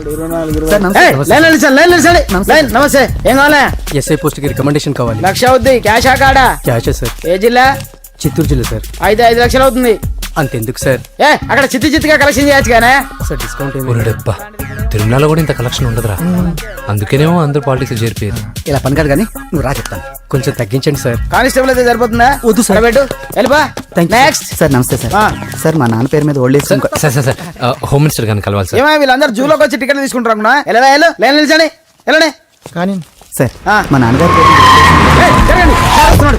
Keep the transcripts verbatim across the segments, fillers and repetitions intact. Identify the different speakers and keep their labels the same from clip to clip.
Speaker 1: నమస్తే. ఏం కావాలా?
Speaker 2: ఎస్ఐ పోస్ట్ కి రికమెండేషన్ కావాలి.
Speaker 1: లక్ష అవుద్ది. క్యాషా కాడా?
Speaker 2: క్యాషే సార్.
Speaker 1: ఏ జిల్లా?
Speaker 2: చిత్తూరు జిల్లా సార్.
Speaker 1: అయితే ఐదు లక్షలు అవుతుంది.
Speaker 2: అంతెందుకు సార్?
Speaker 1: ఏ అక్కడ చిత్తి చిత్తిగా కలెక్షన్ చేయొచ్చు కానీ
Speaker 2: సార్ డిస్కౌంట్
Speaker 3: డబ్బా తిరుమలలో కూడా ఇంత కలెక్షన్ ఉండదురా, అందుకేనేమో అందరూ పాలిటిక్స్ చేరిపోయారు.
Speaker 2: ఇలా పని కాదు కానీ నువ్వు రా చెప్తాను. కొంచెం తగ్గించండి సార్.
Speaker 1: కానిస్టేబుల్ అయితే సరిపోతుందా?
Speaker 2: వద్దు సార్.
Speaker 1: పెట్టు వెళ్ళిపా. Next
Speaker 2: sir. నమస్తే సార్. సార్ మా నాన్న పేరు మీద old age
Speaker 3: sir sir sir home minister గారిని కలవాలి సార్.
Speaker 1: ఏమో వీళ్ళందరూ జూలోకి వచ్చి టికెట్లు తీసుకుంటారు అనుకున్నా. ఎలా వెళ్ళు లైన్ నిలిచండి. వెళ్ళండి.
Speaker 2: కానీ సార్ మా నాన్నగారు
Speaker 1: జరగండి. వస్తున్నాడు.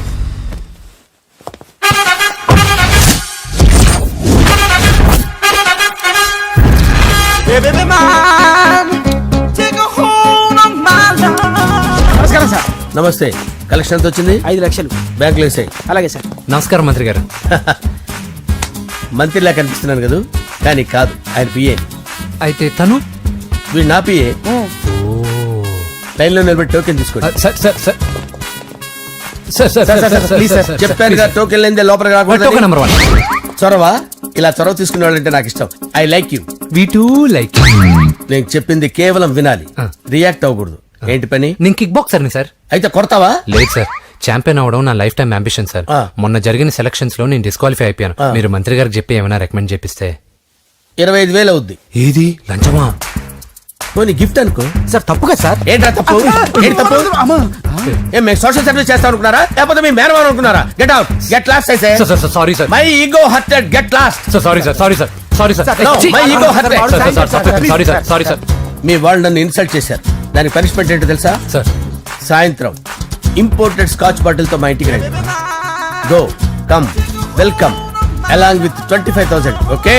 Speaker 1: నమస్కారం సార్.
Speaker 4: నమస్తే. కలెక్షన్ ఎంత వచ్చింది?
Speaker 1: ఐదు లక్షలు
Speaker 4: బ్యాంకులో వేసాయి.
Speaker 1: అలాగే సార్.
Speaker 3: నమస్కారం మంత్రి గారు.
Speaker 4: మంత్రిలా కనిపిస్తున్నాను కదా, కానీ కాదు, ఆయన పిఏ.
Speaker 3: అయితే తను
Speaker 4: వీడు నా పిఏ. లైన్ లో నిలబెట్టి టోకెన్ తీసుకోండి.
Speaker 3: Sir sir sir sir sir sir please sir
Speaker 4: చెప్పాను కదా, టోకెన్ లేనిదే లోపలికి రాకూడదు.
Speaker 3: Token number one.
Speaker 4: చొరవ. ఇలా చొరవ తీసుకునే వాళ్ళంటే నాకు ఇష్టం. I like you.
Speaker 3: We too like.
Speaker 4: నేను చెప్పింది కేవలం వినాలి, రియాక్ట్ అవ్వకూడదు. ఏంటి పని?
Speaker 3: నేను కిక్ బాక్సర్ని సార్.
Speaker 4: అయితే కొడతావా?
Speaker 3: లేదు సార్, ఛాంపియన్ అవడం నా లైఫ్ టైం అంబిషన్ సార్. మొన్న జరిగిన సెలక్షన్స్ లో నేను డిస్క్వాలిఫై అయిపోయాను. మీరు మంత్రి గారికి చెప్పి ఏమైనా రికమెండ్ చేపిస్తే.
Speaker 4: ఇరవై ఐదు వేలు అవుద్ది.
Speaker 3: ఏది లంచమా?
Speaker 4: పోనీ గిఫ్ట్ అనుకో.
Speaker 2: సార్ తప్పుగా సార్.
Speaker 4: ఏంట్రా తప్పు? ఏంటి తప్పు? ఏం మేము సోషల్ సర్వీస్ చేస్తాం అనుకున్నారా, లేకపోతే మీ మేనమాన్ అనుకున్నారా? Get out, get lost. అయితే
Speaker 3: sorry sir,
Speaker 4: my ego hurted, get lost.
Speaker 3: Sorry sir, sorry sir, sorry sir,
Speaker 4: my ego hurted.
Speaker 3: Sorry sir, sorry sir.
Speaker 4: మీ వాళ్ళు నన్ను ఇన్సల్ట్ చేశారు. దానికి పనిష్మెంట్ ఏంటో తెలుసా?
Speaker 3: సార్
Speaker 4: సాయంత్రం ఇంపోర్టెడ్ స్కాచ్ బాటిల్ తో మా ఇంటికి రండి. Go come welcome along with twenty five thousand. Okay?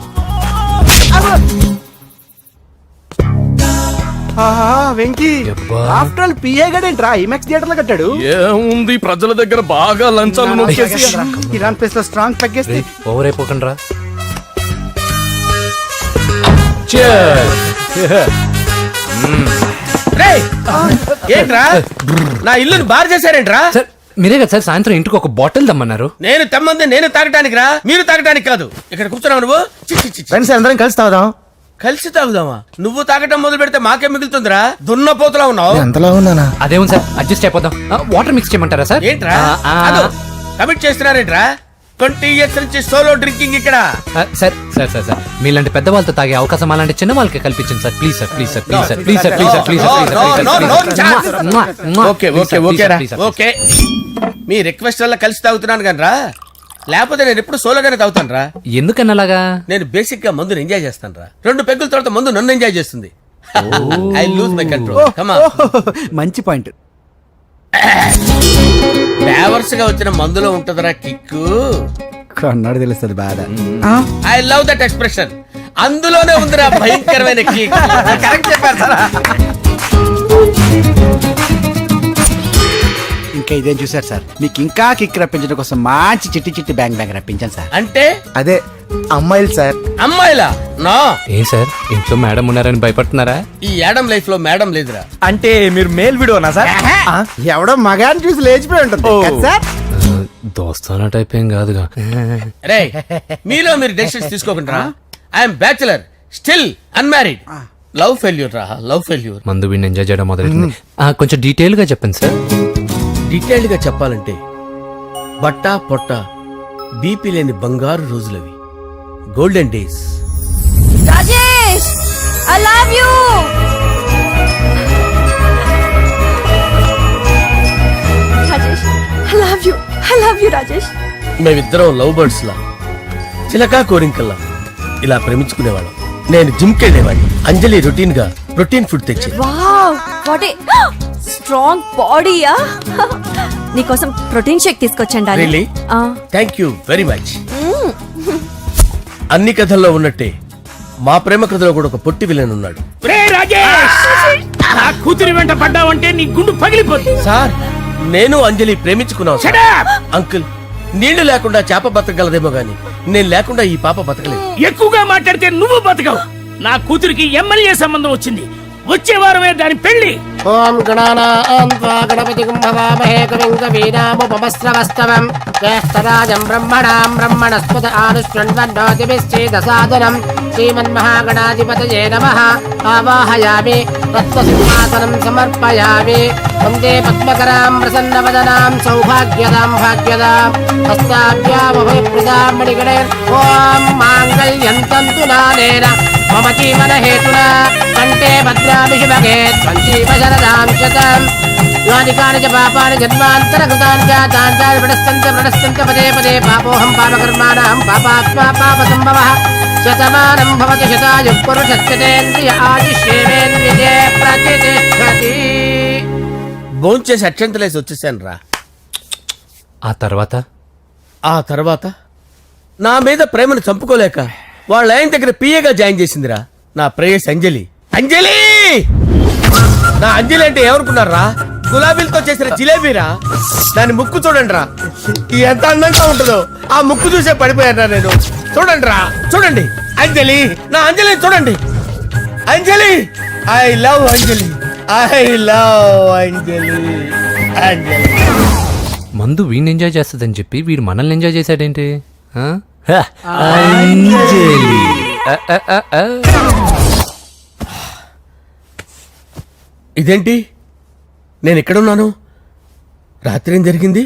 Speaker 2: Venky after all PA గడేంట్రా ఇమెక్స్ థియేటర్ లో కట్టాడు.
Speaker 5: ఏముంది, ప్రజల దగ్గర బాగా లంచాలు నొక్కేసి
Speaker 2: ఇరాన్ ప్లేస్ లో స్ట్రాంగ్ తగ్గేస్తే
Speaker 3: ఓవర్ అయిపోకండి రా.
Speaker 4: ఏంట్రా నా ఇల్లుని బార్ చేశారేంట్రా?
Speaker 3: సార్ మీరే కదా సార్ సాయంత్రం ఇంటికి ఒక బాటిల్ దమ్మన్నారు.
Speaker 4: నేను తెమ్మంది నేను తాగటానికి రా, మీరు తాగటానికి కాదు. ఇక్కడ కూర్చున్నావు నువ్వు.
Speaker 2: ఫ్రెండ్స్ అందరం కలిసి తాగుదాం.
Speaker 4: కలిసి తాగుదామా? నువ్వు తాగటం మొదలు పెడితే మాకే మిగులుతుందిరా. దున్నపోతులా ఉన్నావు.
Speaker 2: ఎంతలా ఉన్నానా?
Speaker 3: అదేమో సార్ అడ్జస్ట్ అయిపోదాం. వాటర్ మిక్స్ చేయమంటారా సార్?
Speaker 4: ఏంట్రా కమిట్ చేస్తున్నారేంట్రా? ట్వంటీ ఇయర్స్ నుంచి సోలో డ్రింకింగ్ ఇక్కడ.
Speaker 3: సార్ సార్ సార్ సార్ మీలాంటి పెద్ద వాళ్ళతో తాగే అవకాశం అలాంటి చిన్న వాళ్ళకి కల్పించండి sir. Please sir, please sir, please sir, please sir, please sir, please sir.
Speaker 4: Okay okay okay రా ఓకే. మీ రిక్వెస్ట్ వల్ల కలిసి తాగుతున్నాను కానీ రా, లేకపోతే నేను ఎప్పుడు సోలోగానే తాగుతాను రా.
Speaker 3: ఎందుకన్నా అలాగా?
Speaker 4: నేను బేసిక్ గా మందుని ఎంజాయ్ చేస్తాను రా. రెండు పెగ్గుల తర్వాత మందు నన్ను ఎంజాయ్ చేస్తుంది. I lose my control. Come on.
Speaker 2: మంచి పాయింట్.
Speaker 4: ఫ్లేవర్స్ గా వచ్చిన మందులో ఉంటదరా కిక్కు.
Speaker 2: కన్నాడు తెలుస్తుంది బాధ.
Speaker 4: I love that expression. అందులోనే ఉందిరా భయంకరమైన కిక్. కరెక్ట్ చెప్పారు సార్.
Speaker 2: ఇంకా ఇదేం చూసారు సార్, మీకు ఇంకా కిక్ రప్పించడం కోసం మంచి చిట్టి చిట్టి బ్యాంగ్ బ్యాంగ్ రప్పించాను సార్.
Speaker 4: అంటే
Speaker 2: అదే అమ్మాయిలు సార్.
Speaker 4: అమ్మాయిలా? నా
Speaker 3: ఏం సార్ ఇంట్లో మేడం ఉన్నారని భయపడుతున్నారా?
Speaker 4: ఈ యాడమ్ లైఫ్ లో మేడం లేదురా.
Speaker 5: అంటే మీరు మేల్ వీడియోనా సార్?
Speaker 2: ఎవడో మగాన్ని చూసి లేచిపోయి ఉంటుంది సార్.
Speaker 3: దోస్తానా టైప్ ఏం కాదుగా.
Speaker 4: రే మీలో మీరు డెసిషన్స్ తీసుకోకుండా. I'm bachelor, still unmarried. Love failure రా, లవ్ ఫెయిల్యూర్.
Speaker 3: మందు వీడిని ఎంజాయ్ చేయడం మొదలైంది. కొంచెం డీటెయిల్ గా చెప్పండి సార్.
Speaker 4: డీటెయిల్డ్ గా చెప్పాలంటే బట్టా పొట్ట బీపీ లేని బంగారు రోజులవి, golden days.
Speaker 6: Rajesh I love you. Rajesh I love you. I love you Rajesh.
Speaker 4: మేమిద్దరం లవ్ బర్డ్స్ లా, చిలకా కోరింకల్లా ఇలా ప్రేమించుకునేవాళ్ళం. నేను జిమ్ కెళ్ళేవాడిని. అంజలి రొటీన్ గా ప్రోటీన్ ఫుడ్ తెచ్చి.
Speaker 6: వావ్ వాట్ ఏ స్ట్రాంగ్ బాడీయా. నీకోసం ప్రోటీన్ షేక్ తీసుకొచ్చండి.
Speaker 4: Really? Thank you very much. అన్ని కథల్లో ఉన్నట్టే మా ప్రేమ కథలో కూడా ఒక పొట్టి విలన్ ఉన్నాడు.
Speaker 5: కూతురి వెంట పడ్డావంటే నీ గుండు పగిలిపోతుంది.
Speaker 4: సార్ నేను అంజలి ప్రేమించుకున్నాను. అంకుల్ నీళ్లు లేకుండా చేప బతకగలదేమో గాని నేను లేకుండా ఈ పాప బతకలేదు.
Speaker 5: ఎక్కువగా మాట్లాడితే నువ్వు బతకవు. నా కూతురికి ఎమ్మెల్యే సంబంధం వచ్చింది. వచ్చే వారమే దాని పెళ్లి.
Speaker 7: ఓం గణానాం గణపతి కుంభవామహే కవిం కవీనాముపమస్రవస్తవం జ్యేష్ఠరాజం బ్రహ్మణాం బ్రహ్మణస్పత ఆనుష్ణ్వన్నోతిభిశ్చేదసాదనం శ్రీమన్మహాగణాధిపతయే నమః ఆవాహయామి తత్వసింహాసనం సమర్పయామి వందే పద్మకరాం ప్రసన్నవదనాం సౌభాగ్యదాం భాగ్యదాం హస్తాభ్యామభయప్రదాం మణిగణైర్ ఓం మాంగళ్యం తంతు నానేన మమ జీవన హేతునా కంటే భద్రామి శుభగే సంజీవ శరదాం శతం యాని కాని చ పాపాని జన్మాంతరకృతాని జాతాని తాని ప్రణశ్యంత ప్రణశ్యంత పదే పదే పాపోహం పాపకర్మాణం పాపాత్మా పాప సంభవః శతమానం భవతి శతాయుః పురుషస్యేంద్రియ ఆయుష్యేంద్రియే ప్రతిష్టతి.
Speaker 4: భోంచేసి అక్షంతలేసి వచ్చేసాను రా.
Speaker 3: ఆ తర్వాత
Speaker 4: ఆ తర్వాత నా మీద ప్రేమను చంపుకోలేక వాళ్ళ ఆయన దగ్గర పిఏగా జాయిన్ చేసిందిరా నా ప్రేయస్ అంజలి. అంజలి నా అంజలి అంటే ఏమనుకున్నారా? గులాబీలతో చేసిన జిలేబీరా. దాని ముక్కు చూడండి రా, ఎంత అందంగా ఉంటుందో. ఆ ముక్కు చూసే పడిపోయారా నేను. చూడండి రా, చూడండి అంజలి, నా అంజలి చూడండి. Anjali, I love Anjali, I love Anjali. Anjali
Speaker 3: మందు వీడిని ఎంజాయ్ చేస్తుందని చెప్పి వీడు మనల్ని ఎంజాయ్ చేశాడేంటి? ఆ?
Speaker 2: అంజలి.
Speaker 3: ఆ, ఆ, ఆ, ఆ.
Speaker 4: ఇదేంటి నేను ఎక్కడున్నాను? రాత్రి ఏం జరిగింది?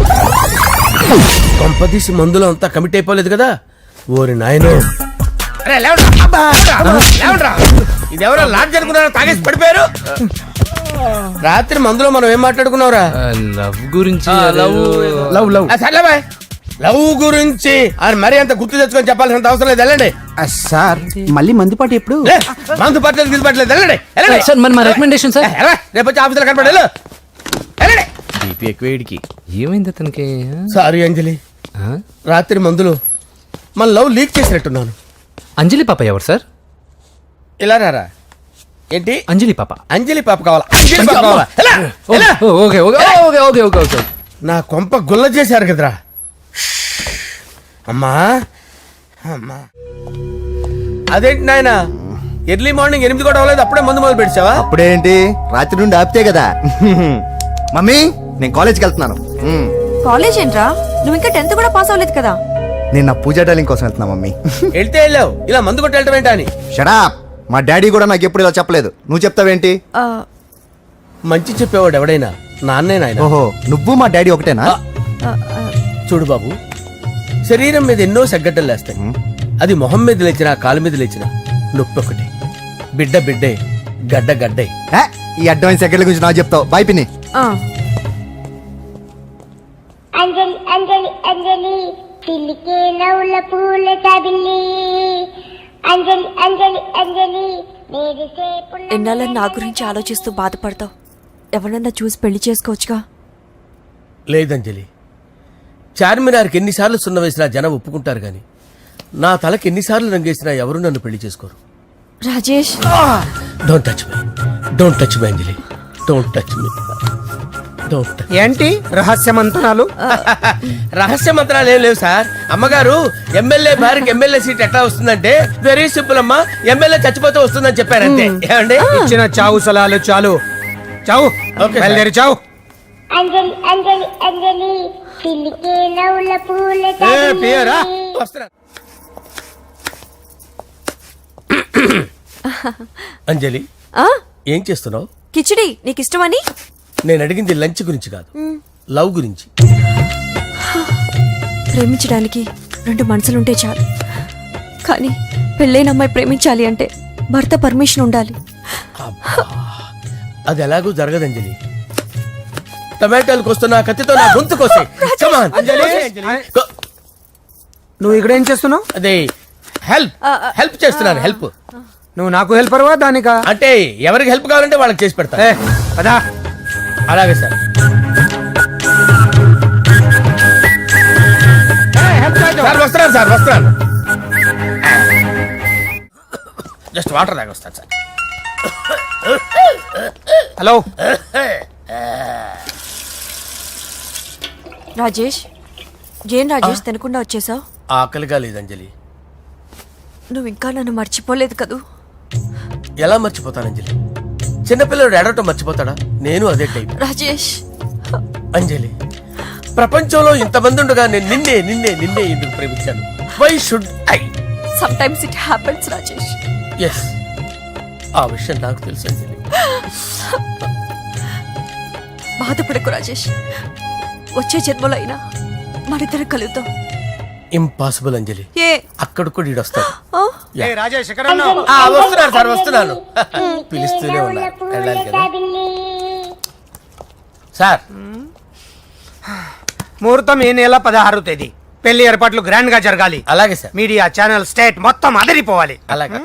Speaker 4: కొంపదీసి మందులో అంతా కమిట్ అయిపోలేదు కదా? ఓరి నాయనో, అరే లేవండ్రా. అబ్బా, లేవండ్రా. ఇదెవరో లాడ్జ్ అనుకున్నారా? తాగేసి పడిపోయారు. రాత్రి మందులో మనం ఏం మాట్లాడుకున్నావురా?
Speaker 3: ఆ, లవ్ గురించి
Speaker 4: లవ్
Speaker 2: లవ్ లవ్
Speaker 4: ఆ, సర్లే బాయ్. లవ్ గురించి అని మరీ అంత గుర్తు తెచ్చుకొని చెప్పాల్సినంత అవసరం లేదు. వెళ్ళండి.
Speaker 2: ఆ, సార్ మళ్ళీ మందుపాటి ఎప్పుడు?
Speaker 4: లే, మందు పట్టలేదు గిల్లు పట్టలేదు. వెళ్ళండి, వెళ్ళండి.
Speaker 3: సార్ మరి మా రికమెండేషన్ సార్.
Speaker 4: ఏ, ఎలా? రేపు వచ్చి ఆఫీసులో కనపడి వెళ్ళు. వెళ్ళండి.
Speaker 3: ఏమైంది అతనికి?
Speaker 4: సారీ అంజలి,
Speaker 3: ఆ?
Speaker 4: రాత్రి మందులో మన లవ్ లీక్ చేసినట్టున్నాను.
Speaker 3: అంజలి పాప ఎవరు సార్?
Speaker 4: ఇలా రారా. ఏంటి?
Speaker 3: అంజలి పాప.
Speaker 4: అంజలి పాప కావాలా? అంజలి పాప కావాలా? ఎలా? ఎలా?
Speaker 3: Oh, okay okay okay okay okay okay
Speaker 4: నా కొంప గుల్ల చేశారు కదరా. అమ్మా అమ్మా, అదేంటి నాయన ఎర్లీ మార్నింగ్ ఎనిమిది కూడా అవ్వలేదు, అప్పుడే మందు మొదలు పెడిచావా?
Speaker 1: అప్పుడేంటి, రాత్రి నుండి ఆపితే కదా. మమ్మీ, నేను కాలేజ్కి వెళ్తున్నాను. మ్మ్.
Speaker 6: కాలేజ్ ఏంట్రా, నువ్వు ఇంకా టెన్త్ కూడా పాస్ అవ్వలేదు కదా.
Speaker 1: నేను నా పూజా టాలింగ్ కోసం వెళ్తున్నా మమ్మీ.
Speaker 4: వెళ్తే వెళ్ళావు, ఇలా మందు కొట్టి వెళ్ళటం ఏంటా అని.
Speaker 1: షడాప్, మా డాడీ కూడా నాకు ఎప్పుడు ఇలా చెప్పలేదు. నువ్వు చెప్తావేంటి?
Speaker 6: ఆ,
Speaker 4: మంచి చెప్పేవాడు ఎవడైనా నాన్నే నాయన.
Speaker 1: ఓహో, నువ్వు మా డాడీ ఒకటేనా?
Speaker 6: ఆ, ఆ,
Speaker 4: చూడు బాబు, శరీరం మీద ఎన్నో సగ్గడ్డలు లేస్తాయి. అది మొహం మీద లేచినా కాలు మీద లేచినా నొప్పి ఒకటి. బిడ్డ బిడ్డే, గడ్డ గడ్డే.
Speaker 1: ఏ, ఈ అడ్వాన్స్ సెకండ్ల గురించి నాకు చెప్తావు. బాయ్ పిన్ని.
Speaker 6: ఆ.
Speaker 8: అంజలి అంజలి అంజలి పిల్లికే నవ్వుల పూల తబిల్లి అంజలి అంజలి అంజలి
Speaker 6: ఎన్నాళ్ళ నా గురించి ఆలోచిస్తూ బాధపడతావు. ఎవరన్నా చూసి పెళ్లి చేసుకోవచ్చుగా.
Speaker 4: లేదంజలి, చార్మినార్కి ఎన్నిసార్లు సున్న వేసినా జనం ఒప్పుకుంటారు గాని నా తలకి ఎన్నిసార్లు రంగేసినా ఎవరు నన్ను పెళ్లి చేసుకోరు.
Speaker 6: Rajesh,
Speaker 4: don't touch me, don't touch me Anjali, don't touch me, don't touch.
Speaker 2: ఏంటి రహస్య మంతనాలు?
Speaker 4: రహస్య మంత్రాలు ఏం లేవు సార్. అమ్మగారు ఎమ్మెల్యే భార్యకి ఎమ్మెల్యే సీట్ ఎట్లా వస్తుందంటే వెరీ సింపుల్ అమ్మా, ఎమ్మెల్యే చచ్చిపోతే వస్తుందని చెప్పారంతే. ఏమండి?
Speaker 2: ఇచ్చిన చావు సలాలు చాలు. చావు,
Speaker 4: ఓకే సార్.
Speaker 2: బయలుదేరి చావు.
Speaker 8: అంజలి అంజలి అంజలి పిల్లికే నవ్వుల పూల
Speaker 2: ఏ, పియరా?
Speaker 8: తబిల్లి
Speaker 4: వస్తున్నా. అంజలి,
Speaker 6: ఆ
Speaker 4: ఏం చేస్తున్నావు?
Speaker 6: కిచిడి నీకు ఇష్టమని.
Speaker 4: నేను అడిగింది లంచ్ గురించి కాదు, లవ్ గురించి.
Speaker 6: ప్రేమించడానికి రెండు మనసులుంటే చాలు, కానీ పెళ్ళైన అమ్మాయి ప్రేమించాలి అంటే భర్త పర్మిషన్ ఉండాలి.
Speaker 4: అది ఎలాగూ జరగదు అంజలి. టమాటాలు కోస్తున్నా కత్తితో నా గొంతు కోసే. Come on, Anjali. గో-
Speaker 2: నువ్వు ఇక్కడ ఏం చేస్తున్నావు?
Speaker 4: అదే హెల్ప్ హెల్ప్ చేస్తున్నాను. హెల్ప్
Speaker 2: నువ్వు నాకు హెల్పర్వా దానికా?
Speaker 4: అంటే ఎవరికి హెల్ప్ కావాలంటే వాళ్ళకి చేసి పెడతా.
Speaker 2: ఏ, పదా.
Speaker 4: అలాగే సార్. సార్ వస్తున్నాను సార్, వస్తున్నాను. జస్ట్ వాటర్ తాగి వస్తాను సార్.
Speaker 2: హలో,
Speaker 6: రాజేష్, ఏం రాజేష్ తినకుండా వచ్చేసావు?
Speaker 4: ఆకలిగా లేదు అంజలి.
Speaker 6: నువ్వు ఇంకా నన్ను మర్చిపోలేదు కదూ.
Speaker 4: ఎలా మర్చిపోతాను అంజలి? చిన్నపిల్లడు ఏడవటం మర్చిపోతాడా? నేను అదే టైప్.
Speaker 6: రాజేష్,
Speaker 4: అంజలి, ప్రపంచంలో ఇంతమంది ఉండగా నేను నిన్నే నిన్నే నిన్నే ఎందుకు ప్రేమించాను? Why should I?
Speaker 6: Sometimes it happens Rajesh.
Speaker 4: Yes, ఆ విషయం నాకు తెలుసు అంజలి.
Speaker 6: బాధపడకు రాజేష్, వచ్చే జన్మలో అయినా మనిద్దరం కలుద్దాం.
Speaker 4: ఇంపాసిబుల్ అంజలి,
Speaker 6: ఏ
Speaker 4: అక్కడ కూడా ఈడు వస్తాడు.
Speaker 6: ఆ?
Speaker 1: రాజేష్
Speaker 4: ఆ, వస్తున్నాను సార్, వస్తున్నాను. పిలుస్తూనే ఉన్నారు, వెళ్ళాలి కదా సార్.
Speaker 9: ముహూర్తం ఈ నెల పదహారు తేదీ. పెళ్లి ఏర్పాట్లు గ్రాండ్ గా జరగాలి.
Speaker 4: అలాగే సార్.
Speaker 9: మీడియా ఛానల్ స్టేట్ మొత్తం అదిరిపోవాలి.
Speaker 4: అలాగే.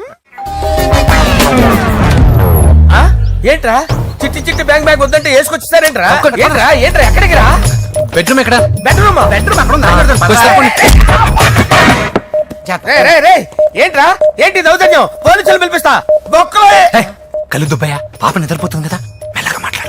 Speaker 4: ఆ? ఏంట్రా చిట్టి చిట్టి బ్యాంక్ బ్యాగ్ వద్దంటే వేసుకొచ్చేసారేంట్రా? ఏంట్రా ఏంట్రా ఎక్కడికి రా?
Speaker 3: బెడ్రూమ్ ఎక్కడ?
Speaker 4: బెడ్రూమ్ బెడ్రూమ్ అక్కడ ఉంది. అక్కడ ఉంది.
Speaker 3: కొంచెం తప్పండి.
Speaker 4: రే, రే, రే, ఏంట్రా ఏంటి దౌర్జన్యం? పోలీసులు పిలిపిస్తా. బొక్కలో
Speaker 3: ఏయ్, కళ్ళు దుబ్బయ్యా, పాప నిద్రపోతుంది కదా, మెల్లగా మాట్లాడు.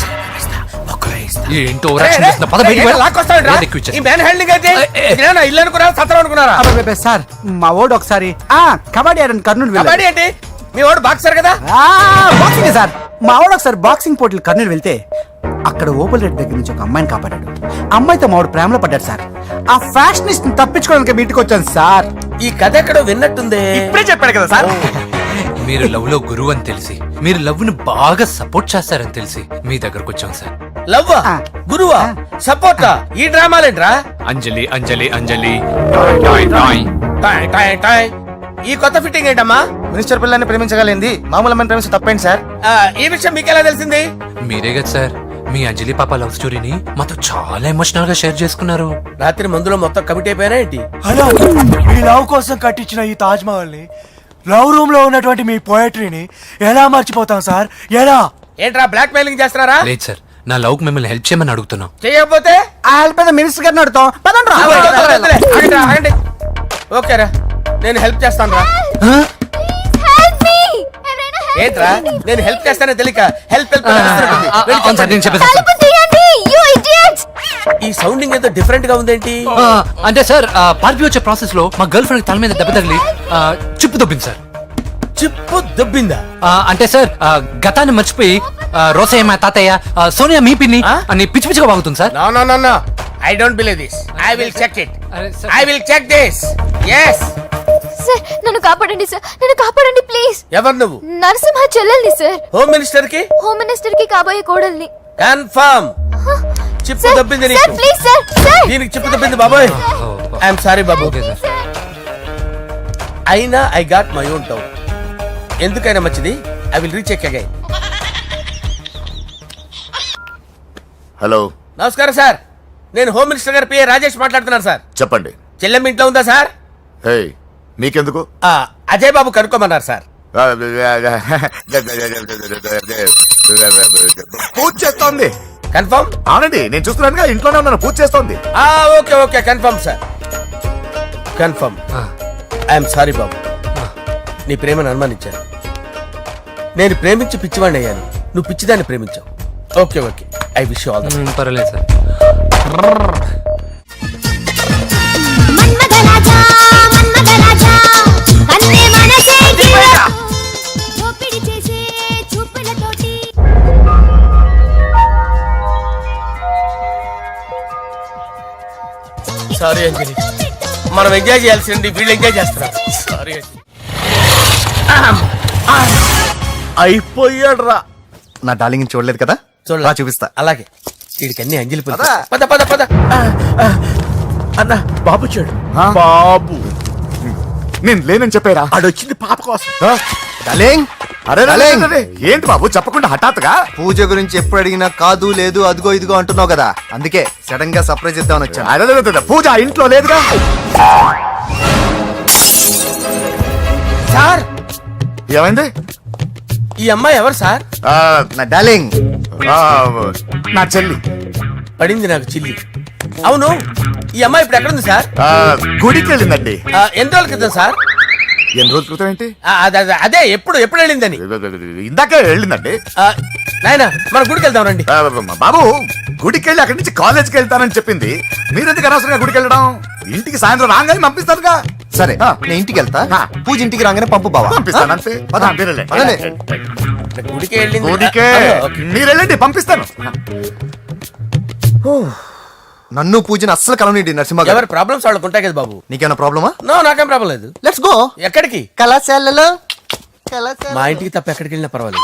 Speaker 3: ఏంటో ఓవరాక్షన్ చేస్తున్నా. పద బయటికి వెళ్ళు. ఏది ఎక్కువ ఇచ్చేస్తా.
Speaker 4: ఈ మ్యాన్ హ్యాండింగ్ అయితే
Speaker 3: ఏ, ఏ.
Speaker 4: ఇదేనా ఇల్లు అనుకున్నారా, సత్రం అనుకున్నారా?
Speaker 2: అబ్బబ్బబ్బే, సార్ మా ఓడు ఒకసారి ఆ కబడ్డీ ఆడని కర్నూలు వెళ్ళాడు.
Speaker 4: కబడ్డీ ఏంటి? మీ వాడు బాక్సర్ కదా.
Speaker 2: ఆ, బాక్సింగ్ సార్. మా వాడు ఒకసారి బాక్సింగ్ పోటీలు కర్నూలు వెళ్తే అక్కడ ఓపెల్ రెడ్డి దగ్గర నుంచి ఒక అమ్మాయిని కాపాడాడు. అమ్మాయితో మా వాడు ప్రేమలో పడ్డాడు సార్. ఆ ఫ్యాషనిస్ట్ తప్పించుకోవడానికి మీ ఇంటికి వచ్చాను సార్.
Speaker 4: ఈ కథ ఎక్కడో విన్నట్టుంది.
Speaker 2: ఇప్పుడే చెప్పాడు కదా సార్.
Speaker 3: మీరు లవ్ లో గురువు అని తెలిసి, మీరు లవ్ ను బాగా సపోర్ట్ చేస్తారని తెలిసి మీ దగ్గరకు వచ్చాం సార్.
Speaker 4: లవ్వా, గురువా, సపోర్టా? ఈ డ్రామాలేంట్రా?
Speaker 3: అంజలి అంజలి అంజలి టాయ్ టాయ్ టాయ్.
Speaker 4: టాయ్ టాయ్ టాయ్. ఈ కొత్త ఫిట్టింగ్ ఏంటమ్మా?
Speaker 1: మినిస్టర్ పిల్లని ప్రేమించగలిగింది మామూలు అమ్మని ప్రేమించి తప్పేంటి సార్?
Speaker 4: ఆ, ఈ విషయం మీకెలా తెలిసింది?
Speaker 3: మీరే కదా సార్ మీ అంజలి పాప లవ్ స్టోరీని మాతో చాలా ఎమోషనల్ గా షేర్ చేసుకున్నారు.
Speaker 4: రాత్రి మందులో మొత్తం కమిటీ అయిపోయినా ఏంటి?
Speaker 10: హలో, మీ లవ్ కోసం కట్టించిన ఈ తాజ్ మహల్ ని, లవ్ రూమ్ లో ఉన్నటువంటి మీ పోయట్రీని ఎలా మర్చిపోతాం సార్? ఎలా?
Speaker 4: ఏంట్రా బ్లాక్ మెయిలింగ్ చేస్తున్నారా?
Speaker 3: లేదు సార్, నా లవ్ కు మిమ్మల్ని హెల్ప్ చేయమని అడుగుతున్నాం.
Speaker 4: చేయకపోతే
Speaker 2: ఆ హెల్ప్ అయితే మినిస్టర్ గారిని అడుగుతాం. పదండి రా.
Speaker 4: ఆగండి, ఆగండి. ఓకేరా, నేను హెల్ప్ చేస్తాను రా. ఏంట్రా నేను హెల్ప్ చేస్తానే తెలియక హెల్ప్ హెల్ప్ అని అరుస్తున్నట్టుంది. వెళ్ళి
Speaker 3: అవును సార్, నేను
Speaker 4: చెప్పండి.
Speaker 3: చెప్పేసి
Speaker 4: ఈ సౌండింగ్ ఏదో డిఫరెంట్ గా ఉందేంటి?
Speaker 3: అంటే సార్ పార్టీ వచ్చే ప్రాసెస్ లో మా గర్ల్ ఫ్రెండ్ తల మీద దెబ్బ తగిలి ఆ, చిప్పు దొబ్బింది సార్.
Speaker 4: చిప్పు దొబ్బిందా?
Speaker 3: ఆ, అంటే సార్ ఆ, గతాన్ని మర్చిపోయి ఆ, రోసయ్య మా తాతయ్య, ఆ, సోనియా మీ పిన్ని
Speaker 4: ఆ?
Speaker 3: అని పిచ్చి పిచ్చిగా బాగుతుంది sir.
Speaker 4: No no no no, I don't believe this. I will check it.
Speaker 3: అరే sir.
Speaker 4: I will check this. yes.
Speaker 6: Sir నన్ను కాపాడండి సార్, నన్ను కాపాడండి ప్లీజ్.
Speaker 4: ఎవరు నువ్వు?
Speaker 6: నరసింహ చెల్లెల్ని సార్,
Speaker 4: హోమ్ మినిస్టర్ కి
Speaker 6: హోమ్ మినిస్టర్ కి కాబోయే కోడల్ని.
Speaker 4: కన్ఫర్మ్. చిప్పు దొబ్బింది నీకు.
Speaker 6: Please sir, sir.
Speaker 4: దీనికి చిప్పు దొబ్బింది బాబోయ్. ఐఎమ్ సారీ బాబు.
Speaker 3: Okay sir.
Speaker 4: అయినా I got my own doubt. ఎందుకైనా మంచిది, I will recheck again.
Speaker 11: Hello,
Speaker 4: నమస్కారం సార్, నేను హోమ్ మినిస్టర్ గారి పిఏ రాజేష్ మాట్లాడుతున్నాను సార్.
Speaker 11: చెప్పండి.
Speaker 4: చెల్లెమ్మ ఇంట్లో ఉందా సార్?
Speaker 11: హే, మీకెందుకు?
Speaker 4: ఆ, అజయ్ బాబు కనుక్కోమన్నారు సార్.
Speaker 11: పూజ చేస్తోంది.
Speaker 4: కన్ఫర్మ్?
Speaker 11: అవునండి, నేను చూస్తున్నానుగా, ఇంట్లోనే ఉన్నాను, పూజ చేస్తోంది.
Speaker 4: ఆ, okay okay, confirm sir, confirm.
Speaker 3: ఆ,
Speaker 4: ఐఎమ్ సారీ బాబు, నీ ప్రేమను అనుమానించాను. నేను ప్రేమించి పిచ్చివాడిని అయ్యాను, నువ్వు పిచ్చిదాన్ని ప్రేమించావు. Okay okay, I wish you all the
Speaker 3: మ్, పర్వాలేదు సార్.
Speaker 4: సారీ అంజలి, మనం ఎంజాయ్ చేయాల్సింది వీళ్ళు ఎంజాయ్ చేస్తున్నారు. సారీ అంజలి. అయిపోయాడు రా.
Speaker 1: నా డార్లింగ్ చూడలేదు కదా, రా చూపిస్తా.
Speaker 4: అలాగే, వీడికి అన్ని అంజలి పిలుపు.
Speaker 1: పద.
Speaker 4: పద పద పద. అన్న బాబు చూడు.
Speaker 11: ఆ?
Speaker 4: బాబు
Speaker 11: నేను లేనని చెప్పారా?
Speaker 4: ఆడొచ్చింది పాప కోసం.
Speaker 1: డార్లింగ్,
Speaker 11: అరే రే, రే,
Speaker 1: డార్లింగ్.
Speaker 11: రే, రే. ఏంటి బాబు చెప్పకుండా హఠాత్తుగా?
Speaker 1: పూజ గురించి ఎప్పుడు అడిగినా కాదు లేదు అదిగో ఇదిగో అంటున్నావు కదా, అందుకే సడన్ గా సర్ప్రైజ్ ఇద్దామని వచ్చాను.
Speaker 11: అరే, రే, రే, రే, పూజ ఆ ఇంట్లో లేదుగా.
Speaker 4: సార్,
Speaker 11: ఏమైంది?
Speaker 4: ఈ అమ్మాయి ఎవరు సార్?
Speaker 11: ఆ,
Speaker 1: నా డార్లింగ్,
Speaker 11: ఆ, నా చెల్లి.
Speaker 4: పడింది నాకు చిల్లి. అవును, ఈ అమ్మాయి ఇప్పుడు ఎక్కడుంది సార్?
Speaker 11: ఆ, గుడికి వెళ్ళిందండి.
Speaker 4: ఆ, ఎన్ని రోజుల క్రితం సార్?
Speaker 11: ఎన్ని రోజుల క్రితం ఏంటి?
Speaker 4: ఆ, అదే అదే, అదే ఎప్పుడు ఎప్పుడు వెళ్ళిందని.
Speaker 11: ఇందాకే వెళ్ళిందండి.
Speaker 4: ఆ, నాయనా మన గుడికి వెళ్దాం రండి.
Speaker 11: ఆ, బాబు, గుడికి వెళ్ళి అక్కడి నుంచి కాలేజ్కి వెళ్తానని చెప్పింది. మీరెందుకు అనవసరంగా గుడికి వెళ్ళడం? ఇంటికి సాయంత్రం రాగానే పంపిస్తారుగా.
Speaker 1: సరే
Speaker 11: ఆ.
Speaker 1: నేను ఇంటికి వెళ్తా,
Speaker 11: ఆ.
Speaker 1: పూజ ఇంటికి రాగానే పంపు బావా.
Speaker 11: పంపిస్తాను అంతే.
Speaker 1: పద.
Speaker 11: ఆ, మీరు వెళ్ళండి.
Speaker 1: పదండి.
Speaker 4: గుడికి వెళ్ళింది.
Speaker 11: గుడికే
Speaker 4: ఆ, ఓకే.
Speaker 11: మీరు వెళ్ళండి, పంపిస్తాను.
Speaker 1: నన్ను పూజని అస్సలు కలవనీయండి నరసింహ గారు.
Speaker 4: ఎవరి ప్రాబ్లమ్స్ వాళ్ళకు ఉంటాయి కదా బాబు.
Speaker 1: నీకేమైనా ప్రాబ్లమా?
Speaker 4: నో, నాకేం ప్రాబ్లం లేదు.
Speaker 1: Let's go.
Speaker 4: ఎక్కడికి?
Speaker 1: కళాశాలలో కళాశాల.
Speaker 4: మా ఇంటికి తప్ప ఎక్కడికి వెళ్ళినా పర్వాలేదు.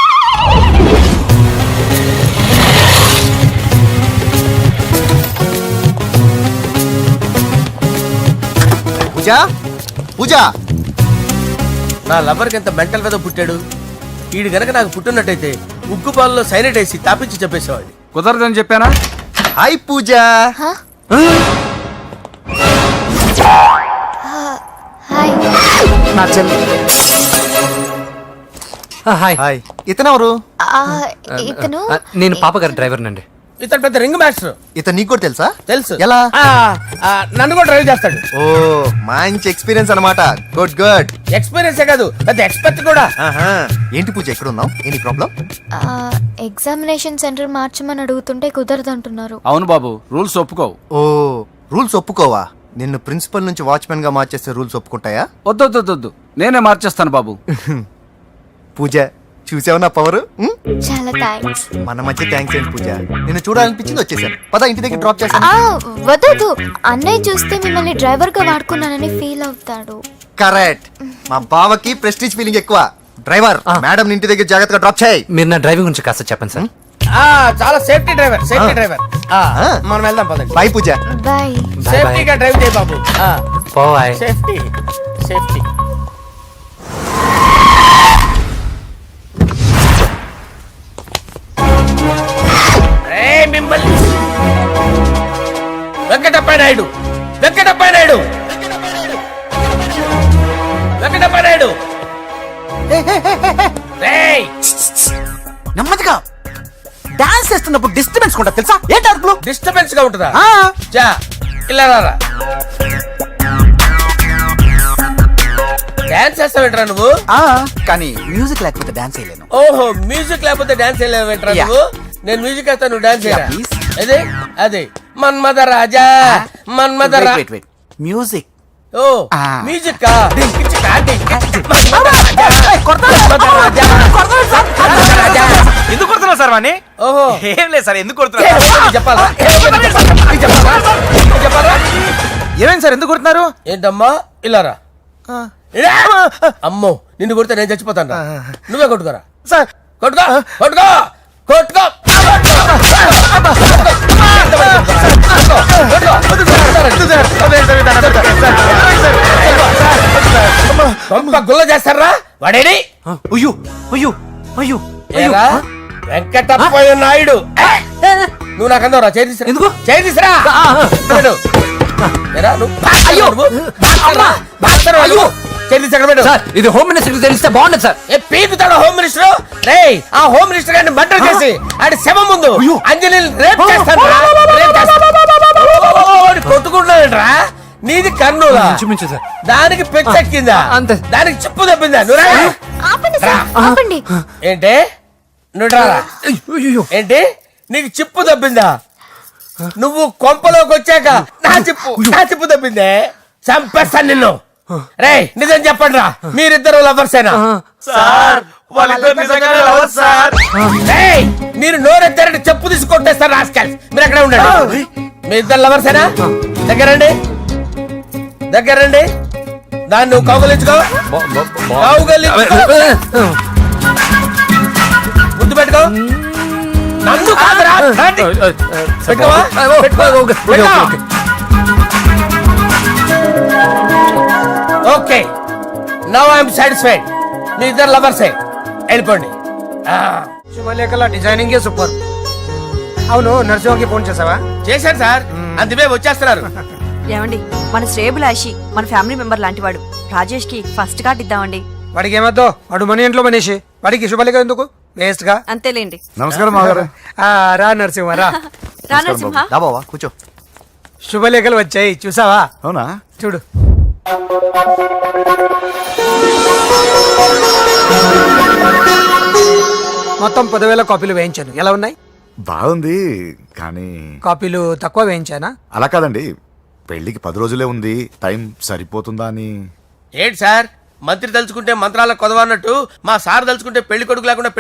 Speaker 1: పూజ పూజ
Speaker 4: నా లవర్కి ఎంత మెంటల్ వేదో పుట్టాడు. వీడు గనక నాకు పుట్టినట్టయితే ఉగ్గు పాలలో సైనట్ వేసి తాపించి చెప్పేసేవాడిని.
Speaker 10: కుదరదని చెప్పానా?
Speaker 1: హాయ్ పూజ.
Speaker 2: నా చెల్లి.
Speaker 3: హాయ్.
Speaker 1: హాయ్. ఇతనెవరు?
Speaker 6: ఇతను
Speaker 3: ఆ, నేను పాప గారి డ్రైవర్ నండి.
Speaker 4: ఇతను పెద్ద రింగ్ మాస్టర్.
Speaker 1: ఇతను నీకు కూడా తెలుసా?
Speaker 4: తెలుసు.
Speaker 1: ఎలా?
Speaker 4: ఆ, ఆ, నన్ను కూడా డ్రైవ్ చేస్తాడు.
Speaker 1: ఓ మంచి ఎక్స్పీరియన్స్ అన్నమాట. Good good.
Speaker 4: ఎక్స్పీరియన్సే కాదు, పెద్ద ఎక్స్పర్ట్ కూడా.
Speaker 1: ఏంటి పూజ ఎక్కడ ఉన్నావు? ఏంటి ప్రాబ్లం?
Speaker 6: ఎగ్జామినేషన్ సెంటర్ మార్చమని అడుగుతుంటే కుదరదంటున్నారు.
Speaker 10: అవును బాబు, రూల్స్ ఒప్పుకోవు.
Speaker 1: ఓ రూల్స్ ఒప్పుకోవా? నిన్ను ప్రిన్సిపల్ నుంచి వాచ్మెన్ గా మార్చేస్తే రూల్స్ ఒప్పుకుంటాయా?
Speaker 10: వద్దొద్దొద్దు, నేనే మార్చేస్తాను బాబు.
Speaker 1: పూజ చూసావు నా పవర్?
Speaker 6: చాలా థ్యాంక్స్.
Speaker 1: మన మధ్య థ్యాంక్స్ ఏంటి పూజ, నిన్ను చూడాలనిపించింది వచ్చేసాను. పద ఇంటి దగ్గర డ్రాప్ చేశాను.
Speaker 6: వద్దు, అన్నయ్య చూస్తే మిమ్మల్ని డ్రైవర్ గా వాడుకున్నానని ఫీల్ అవుతాడు.
Speaker 1: కరెక్ట్. మా బావకి ప్రెస్టీజ్ ఫీలింగ్ ఎక్కువ. డ్రైవర్ మేడం ఇంటి దగ్గర జాగ్రత్తగా డ్రాప్ చేయి.
Speaker 3: మీరు నా డ్రైవింగ్ గురించి కాస్త చెప్పండి సార్.
Speaker 4: ఆ, చాలా సేఫ్టీ డ్రైవర్, సేఫ్టీ
Speaker 1: ఆ.
Speaker 4: డ్రైవర్. ఆ,
Speaker 1: ఆ.
Speaker 4: మనం వెళ్దాం పదండి.
Speaker 1: బాయ్ పూజ.
Speaker 6: బాయ్.
Speaker 4: సేఫ్టీగా డ్రైవ్ చేయి బాబు. ఆ,
Speaker 3: పోవాయ్.
Speaker 4: Safety safety. ఏయ్, మిమ్మల్ని వెంకటప్ప నాయుడు, వెంకటప్ప నాయుడు, వెంకటప్ప నాయుడు. ఏయ్,
Speaker 2: నెమ్మదిగా డాన్స్ చేస్తున్నప్పుడు డిస్టర్బెన్స్ కూడా తెలుసా? ఏంటి అరుపులు?
Speaker 4: డిస్టర్బెన్స్ గా ఉంటుందా?
Speaker 2: ఆ,
Speaker 4: చా, ఇలా రారా. డాన్స్ చేస్తావేంట్రా నువ్వు?
Speaker 2: ఆ, కానీ మ్యూజిక్ లేకపోతే డాన్స్ చేయలేను.
Speaker 4: ఓహో, మ్యూజిక్ లేకపోతే డాన్స్ చేయలేవేంట్రా
Speaker 2: Yeah.
Speaker 4: నువ్వు? నేను మ్యూజిక్ వేస్తా, నువ్వు డాన్స్ చేయరా?
Speaker 2: Yeah, please.
Speaker 4: అదే అదే మన్మద రాజా, మన్మద రా.
Speaker 2: Wait wait music.
Speaker 4: ఓ
Speaker 2: Ah.
Speaker 4: మ్యూజిక్ కా పిచ్చి కాంటి. మన్మద రాజా, మన్మద రాజా, మన్మద రాజా.
Speaker 10: ఎందుకు కొడుతున్నా సార్ వాణ్ణి?
Speaker 4: ఓహో,
Speaker 10: ఏం లేదు సార్, ఎందుకు
Speaker 4: ఏ,
Speaker 10: కొడుతున్నా?
Speaker 4: నీకు చెప్పాలా? ఏ, నీకు చెప్పాలా? నీకు చెప్పాలా? నీకు చెప్పాలా?
Speaker 10: ఏమైంది సార్, ఎందుకు కొడుతున్నారు?
Speaker 4: ఏంటమ్మా ఇలా రా. ఇలా. అమ్మో, నిన్ను కొడితే నేను చచ్చిపోతాను రా. నువ్వే కొట్టుకోరా
Speaker 10: సార్
Speaker 4: కొట్టుకో కొట్టుకో కొట్టుకో. గొప్ప గుల్ల చేస్తారా వాడేడి?
Speaker 2: అయ్యో అయ్యో అయ్యో
Speaker 4: ఏరా వెంకటప్పయ్య నాయుడు, నువ్వు నాకు అందరా చేయి తీసురా.
Speaker 3: ఎందుకు?
Speaker 4: చేయి తీసురా. పెట్టు. ఏరా, నువ్వు బాక్సర్వా నువ్వు? బాక్సర్వా? బాక్సర్వా నువ్వు? చేయి తీసి అక్కడ పెట్టు.
Speaker 3: సార్ ఇది హోమ్ మినిస్టర్ తెలిస్తే బాగుండదు సార్.
Speaker 4: ఏ పీకుతాడు హోమ్ మినిస్టర్? రేయ్, ఆ హోమ్ మినిస్టర్ గారిని మర్డర్ చేసి ఆడి శవం ముందు అంజలి రేప్ చేస్తాను రా. రేప్ చేస్తాను. కొట్టుకుంటాడంట్రా. నీది కర్నూలా?
Speaker 3: ఇంచుమించు సార్.
Speaker 4: దానికి పెచ్చెక్కిందా?
Speaker 3: అంతే.
Speaker 4: దానికి చెప్పు తప్పిందా? నువ్వు రా.
Speaker 6: ఆపండి సార్, ఆపండి.
Speaker 4: ఏంటి? నువ్వు రారా. ఏంటి? నీకు చిప్పు తప్పిందా? నువ్వు కొంపలోకి వచ్చాక నా చిప్పు నా చిప్పు తప్పిందే. చంపేస్తాను నిన్ను. రేయ్, నిజం చెప్పండి రా, మీరిద్దరు లవర్సేనా?
Speaker 10: సార్ వాళ్ళిద్దరు నిజంగానే లవర్స్ సార్.
Speaker 4: రేయ్, మీరు నోరెత్తారంటే చెప్పు తీసి కొట్టేస్తారు రాస్కల్స్. మీరు ఎక్కడ ఉండండి. మీ ఇద్దరు లవర్సేనా? దగ్గరండి, దగ్గరండి. దాన్ని నువ్వు కౌగలించుకో, కౌగలించుకో, ముద్దు పెట్టుకో. నన్ను కాదురా. రండి. పెట్టుకోవా? పెట్టుకో. పెట్టుకో. Okay, now I'm satisfied. మీ ఇద్దరు లవర్సే, వెళ్ళిపోండి.
Speaker 9: శుభలేఖల డిజైనింగ్ సూపర్. అవును, నరసింహకి ఫోన్ చేసావా?
Speaker 4: చేశాను సార్, అందుకే వచ్చేస్తున్నారు.
Speaker 6: ఏమండి, మన శ్రేయబులాషి మన ఫ్యామిలీ మెంబర్ లాంటి వాడు. రాజేష్ కి ఫస్ట్ కార్డ్ ఇద్దామండి.
Speaker 9: వాడికి ఏమద్దో, వాడు మన ఇంట్లో మనిషి. వాడికి శుభలేఖ ఎందుకు? వేస్ట్ గా.
Speaker 6: అంతేలేండి.
Speaker 11: నమస్కారం మాగారు.
Speaker 9: ఆ, రా నరసింహ రా.
Speaker 6: రా నరసింహ.
Speaker 1: రా బావా కూర్చో.
Speaker 9: శుభలేఖలు వచ్చాయి, చూసావా?
Speaker 11: అవునా?
Speaker 9: చూడు. మొత్తం పదివేల కాపీలు వేయించాను. ఎలా ఉన్నాయి?
Speaker 11: బాగుంది, కానీ
Speaker 9: కాపీలు తక్కువ వేయించానా?
Speaker 11: అలా కాదండి, పెళ్లికి పది రోజులే ఉంది, టైం సరిపోతుందా అని.
Speaker 4: ఏంటి సార్, మంత్రి తలుచుకుంటే మంత్రాలకు కొదవన్నట్టు మా సార్ తలుచుకుంటే పెళ్లి కొడుకు లేకుండా